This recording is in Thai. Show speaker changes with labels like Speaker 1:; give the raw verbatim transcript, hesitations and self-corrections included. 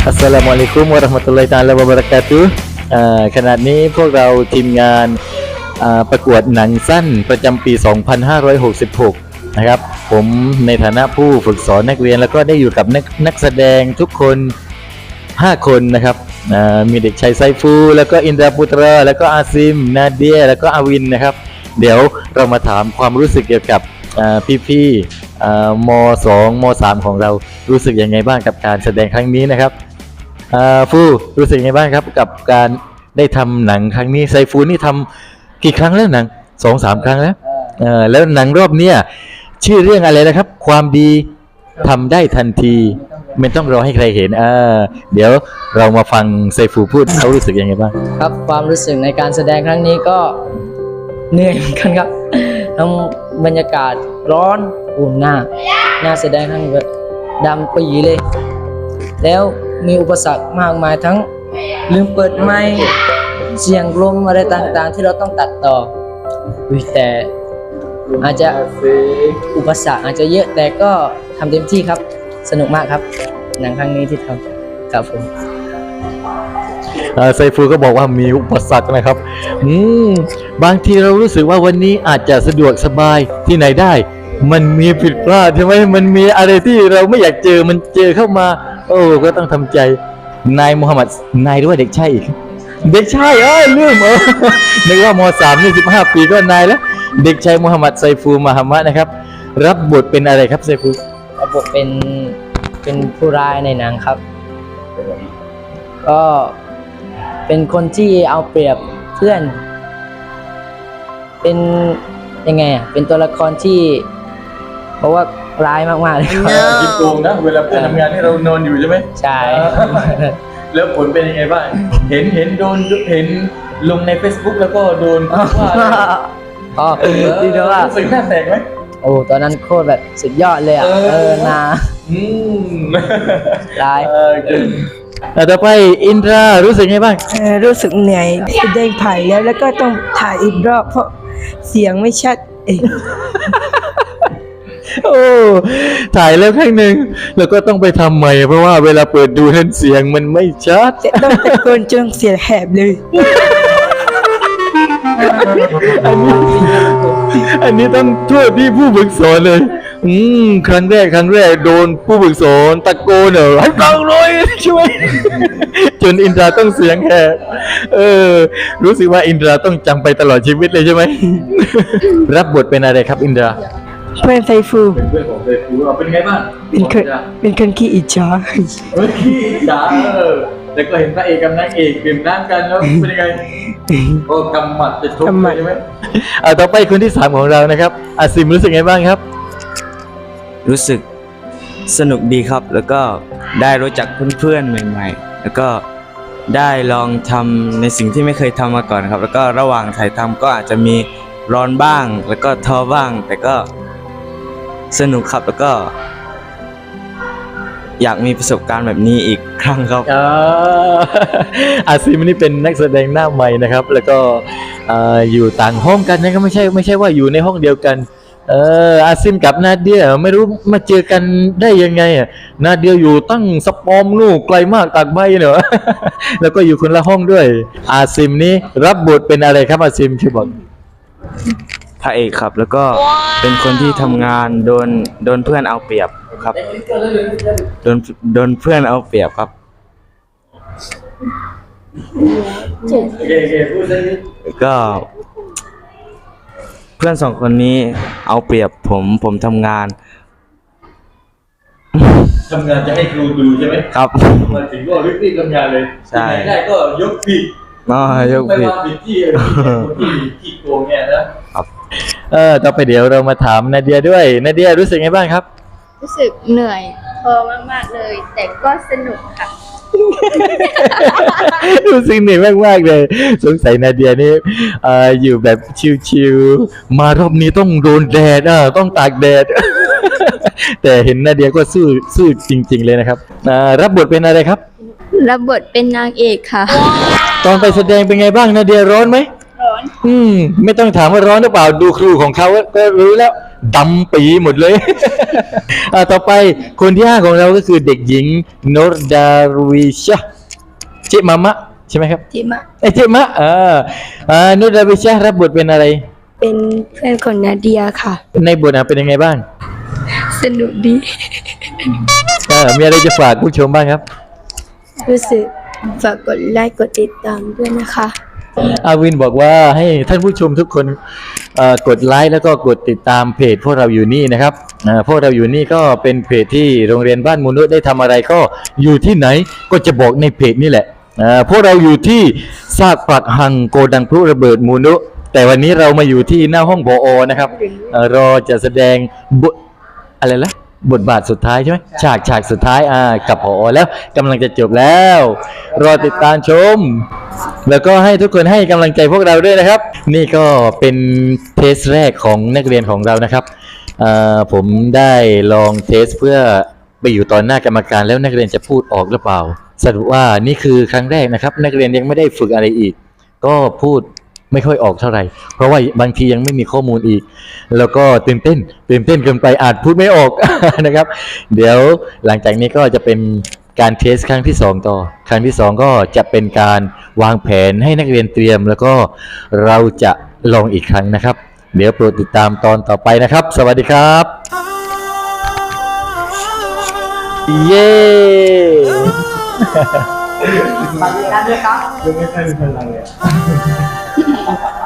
Speaker 1: อัสสลามุอะลัยกุมวะเราะห์มะตุลลอฮิตะอาลาวะบะเราะกาตุฮ์ขณะนี้พวกเราทีมงานประกวดหนังสั้นประจำปี สองพันห้าร้อยหกสิบหก นะครับผมในฐานะผู้ฝึกสอนนักเรียนแล้วก็ได้อยู่กับนักนักแสดงทุกคนห้าคนนะครับมีเด็กชายไซฟูแล้วก็อินดราปุตราแล้วก็อาซิมนาเดียแล้วก็อาวินนะครับเดี๋ยวเรามาถามความรู้สึกเกี่ยวกับพี่ๆม.สอง ม.สาม ของเรารู้สึกยังไงบ้างกับการแสดงครั้งนี้นะครับฟูรู้สึกยังไงบ้างครับกับการได้ทำหนังครั้งนี้ไซฟูนี่ทำกี่ครั้งแล้วหนังสองสามครั้งแล้วแล้วหนังรอบเนี้ยชื่อเรื่องอะไรนะครับความดีทำได้ทันทีไม่ต้องรอให้ใครเห็นอ่าเดี๋ยวเรามาฟังไซฟูพูดเขารู้สึกยังไงบ้าง
Speaker 2: ครับความรู้สึกในการแสดงครั้งนี้ก็เหนื่อยเหมือนกันครับทั้งบรรยากาศร้อนอุ่นหน้าหน้าแสดงทั้งแบบดำปีเลยแล้วมีอุปสรรคมากมายทั้งลืมเปิดไมค์เสียงลมอะไรต่างๆที่เราต้องตัดต่อแต่อาจจะอุปสรรคอาจจะเยอะแต่ก็ทำเต็มที่ครับสนุกมากครับหนังครั้งนี้ที่ทำครับผม
Speaker 1: ไซฟูก็บอกว่ามีอุปสรรคนะครับอืมบางทีเรารู้สึกว่าวันนี้อาจจะสะดวกสบายที่ไหนได้มันมีผิดพลาดใช่ไหมมันมีอะไรที่เราไม่อยากเจอมันเจอเข้ามาโอ้ก็ต้องทำใจนายมูฮัมหมัดนายหรือว่าเด็กชายอีกเด็กชายเอ้ยลืมเออนึกว่าม.สาม นี่สิบห้าปีก็นายแล้วเด็กชายมูฮัมหมัดไซฟูมหามัดนะครับรับบทเป็นอะไรครับไซฟู
Speaker 2: รับบทเป็นเป็นผู้ร้ายในหนังครับก็เป็นคนที่เอาเปรียบเพื่อนเป็นยังไงอ่ะเป็นตัวละครที่เพราะว่าร้ายมากๆเลยครับ
Speaker 1: คิดโกงนะเวลาเพื่อนทำงานให้เรานอนอยู่ใช่ไหม
Speaker 2: ใช่
Speaker 1: แล้วผลเป็นยังไงบ้างเห็นเห็นโดนเห็นลงใน Facebook แล้วก็โดนว่า
Speaker 2: อ๋อที่เขาว่า
Speaker 1: สึกหน้าแตกไหม
Speaker 2: โอ้ตอนนั้นโคตรแบบสุดยอดเลยอ่ะเออนา
Speaker 1: อืม
Speaker 2: ร้าย
Speaker 1: ต่อไปอินทรารู้สึกไงบ้าง
Speaker 3: รู้สึกเหนื่อยแสดงผ่านแล้วแล้วก็ต้องถ่ายอีกรอบเพราะเสียงไม่ชัดเอง
Speaker 1: โอ้ถ่ายแล้วครั้งหนึ่งแล้วก็ต้องไปทำใหม่เพราะว่าเวลาเปิดดูเห็นเสียงมันไม่ชัด
Speaker 3: ต้องตะโกนจนเสียงแหบเลย
Speaker 1: อันนี้อันนี้ต้องโทษที่ผู้ฝึกสอนเลยอืมครั้งแรกครั้งแรกโดนผู้ฝึกสอนตะโกนเหรอให้ฟังเลยช่วยจนอินทราต้องเสียงแหบเออรู้สึกว่าอินทราต้องจำไปตลอดชีวิตเลยใช่ไหมรับบทเป็นอะไรครับอินทรา
Speaker 3: เพื่อนไซฟู
Speaker 1: เป็นเพื่อนของไซฟูเป็นไงบ้าง
Speaker 3: เป็นคนเป็นคนขี้อิจฉา
Speaker 1: เฮ้ยขี้อิจฉาเออแล้วก็เห็นพระเอกกับนางเอกดื่มน้ำกันแล้วเป็นยังไงโอ้กำหมัดจะทุบใช่ไหมอ่าต่อไปคนที่สามของเรานะครับอาซิมรู้สึกไงบ้างครับ
Speaker 4: รู้สึกสนุกดีครับแล้วก็ได้รู้จักเพื่อนๆใหม่ๆแล้วก็ได้ลองทำในสิ่งที่ไม่เคยทำมาก่อนครับแล้วก็ระหว่างถ่ายทำก็อาจจะมีร้อนบ้างแล้วก็ท้อบ้างแต่ก็สนุกครับแล้วก็อยากมีประสบการณ์แบบนี้อีกครั้งครับ
Speaker 1: อาซิมนี่เป็นนักแสดงหน้าใหม่นะครับแล้วก็อยู่ต่างห้องกันนะก็ไม่ใช่ไม่ใช่ว่าอยู่ในห้องเดียวกันเอออาซิมกับนาเดียไม่รู้มาเจอกันได้ยังไงอ่ะนาเดียอยู่ตั้งสปอมนู่ไกลมากตากใบเนอะแล้วก็อยู่คนละห้องด้วยอาซิมนี่รับบทเป็นอะไรครับอาซิมช่วยบอก
Speaker 4: พระเอกครับแล้วก็เป็นคนที่ทำงานโดนโดนเพื่อนเอาเปรียบครับโดนโดนเพื่อนเอาเปรียบครับก็เพื่อนสองคนนี้เอาเปรียบผมผมทำงาน
Speaker 1: ทำงานจะให้ครูดูใช่ไหม
Speaker 4: ครับ
Speaker 1: มาถึงก็รีบๆทำงานเลย
Speaker 4: ใช่
Speaker 1: ได้ก็ยกผิด
Speaker 4: อ๋อยกผิด
Speaker 1: ไม่ว่าผิดที่ที่ที่โกงเนี่ยนะครับเออต่อไปเดี๋ยวเรามาถามนาเดียด้วยนาเดียรู้สึกไงบ้างครับ
Speaker 5: รู้สึกเหนื่อยพอมากๆเลยแต่ก็สนุกค่ะ
Speaker 1: รู้สึกเหนื่อยมากๆเลยสงสัยนาเดียนี่อยู่แบบชิลๆมารอบนี้ต้องโดนแดดอ่ะต้องตากแดดแต่เห็นนาเดียก็สู้สู้จริงๆเลยนะครับรับบทเป็นอะไรครับ
Speaker 5: รับบทเป็นนางเอกค่ะ
Speaker 1: ตอนไปแสดงเป็นไงบ้างนาเดียร้อนไหม
Speaker 5: ร้อน
Speaker 1: อืมไม่ต้องถามว่าร้อนหรือเปล่าดูครูของเขาก็รู้แล้วดำปีหมดเลย อ่าต่อไปคนที่ห้าของเราก็คือเด็กหญิงโนรดาวิชะเจมามะใช่ไหมครับ
Speaker 3: จิมะ
Speaker 1: ไอยเจมะอ่าอ่าโนรดาวิชะรับบทเป็นอะไร
Speaker 3: เป็นเพื่อนของนาเดียค่ะ
Speaker 1: ในบทอ่ะเป็นยังไงบ้าง
Speaker 3: สนุกดี
Speaker 1: เออมีอะไรจะฝากผู้ชมบ้างครับ
Speaker 3: รู้สึกฝากกดไลค์กดติดตามด้วยนะคะ
Speaker 1: อาวินบอกว่าให้ท่านผู้ชมทุกคนเอ่อกดไลค์แล้วก็กดติดตามเพจพวกเราอยู่นี่นะครับอ่าพวกเราอยู่นี่ก็เป็นเพจที่โรงเรียนบ้านมูนุษย์ได้ทำอะไรก็อยู่ที่ไหนก็จะบอกในเพจนี่แหละอ่าพวกเราอยู่ที่ซากปรักหังโกดังพลุระเบิดมูนุษย์แต่วันนี้เรามาอยู่ที่หน้าห้องผอนะครับเอ่อรอจะแสดงบทอะไรละบทบาทสุดท้ายใช่ไหมฉากฉากสุดท้ายอ่ากับผอแล้วกำลังจะจบแล้ว รอติดตามชม แล้วก็ให้ทุกคนให้กำลังใจพวกเราด้วยนะครับ นี่ก็เป็นเทสแรกของนักเรียนของเรานะครับเอ่อผมได้ลองเทสเพื่อไปอยู่ตอนหน้ากรรมการแล้วนักเรียนจะพูดออกหรือเปล่าสรุปว่านี่คือครั้งแรกนะครับ นักเรียนยังไม่ได้ฝึกอะไรอีก ก็พูดไม่ค่อยออกเท่าไหร่ เพราะว่าบางทียังไม่มีข้อมูลอีก แล้วก็ตื่นเต้นตื่นเต้นเกินไปอาจพูดไม่ออก นะครับ เดี๋ยวหลังจากนี้ก็จะเป็นการเทสครั้งที่สองต่อ ครั้งที่สองก็จะเป็นการวางแผนให้นักเรียนเตรียม แล้วก็เราจะลองอีกครั้งนะครับ เดี๋ยวโปรดติดตามตอนต่อไปนะครับ สวัสดีครับ เย้